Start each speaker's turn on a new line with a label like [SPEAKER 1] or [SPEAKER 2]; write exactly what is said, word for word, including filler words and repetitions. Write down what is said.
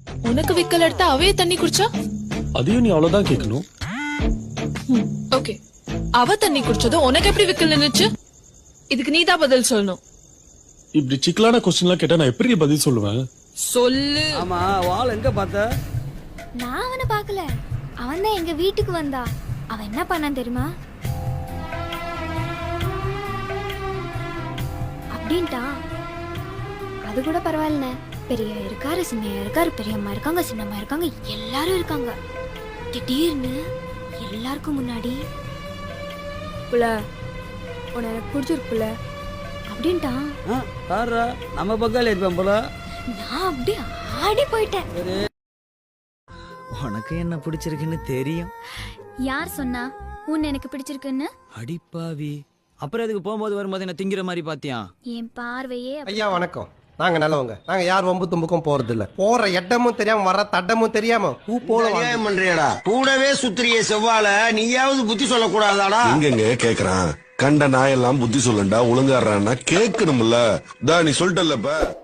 [SPEAKER 1] உனக்கு விக்கல் எடுத்தா அவையே தண்ணி குடிச்சா?
[SPEAKER 2] அதையும் நீ அவ்வளவுதான் கேட்கணும்.
[SPEAKER 1] ஓகே, அவ தண்ணி குடிச்சதும் உனக்கு எப்படி விக்கல் நின்னுச்சு? இதுக்கு நீதான் பதில் சொல்லணும்.
[SPEAKER 2] இப்படி சிக்கலான கொஸ்டின் எல்லாம் கேட்டா நான் எப்படி பதில் சொல்லுவேன்?
[SPEAKER 1] சொல்லு.
[SPEAKER 3] ஆமா, வாள் எங்க பார்த்த?
[SPEAKER 4] நான் அவனை பார்க்கல, அவன் தான் எங்க வீட்டுக்கு வந்தா. அவன் என்ன பண்ணான் தெரியுமா? அப்படின்ட்டான். அது கூட பரவாயில்லண்ணே, பெரிய இருக்காரு, சின்ன இருக்காரு, பெரியம்மா இருக்காங்க, சின்னம்மா இருக்காங்க, எல்லாரும் இருக்காங்க. திடீர்னு எல்லாருக்கும் முன்னாடி புள்ள உன எனக்கு பிடிச்சிருக்குல்ல அப்படின்ட்டான்.
[SPEAKER 3] பாரு, நம்ம பக்கால இருப்பேன் போல.
[SPEAKER 4] நான் அப்படியே ஆடி போயிட்டேன்.
[SPEAKER 3] உனக்கு என்ன பிடிச்சிருக்குன்னு தெரியும்.
[SPEAKER 4] யார் சொன்னா உன்னை எனக்கு பிடிச்சிருக்குன்னு?
[SPEAKER 3] அடிப்பாவி, அப்புறம் அதுக்கு போகும்போது வரும்போது என்ன திங்கிற மாதிரி பாத்தியா?
[SPEAKER 4] என் பார்வையே.
[SPEAKER 5] ஐயா வணக்கம். நாங்க நல்லவங்க. நாங்க யார் வம்பு தும்புக்கும் போறது இல்ல. போற இடமும் தெரியாம வர தட்டமும் தெரியாம பூ போல
[SPEAKER 6] பண்றியடா. கூடவே சுத்திரிய செவ்வால நீயாவது புத்தி சொல்ல கூடாதாடா?
[SPEAKER 7] எங்கெங்க கேக்குறான்? கண்ட நாயெல்லாம் புத்தி சொல்லண்டா, ஒழுங்காடுறான்னா கேட்கணும்ல. தா நீ சொல்லிட்டல்லப்ப.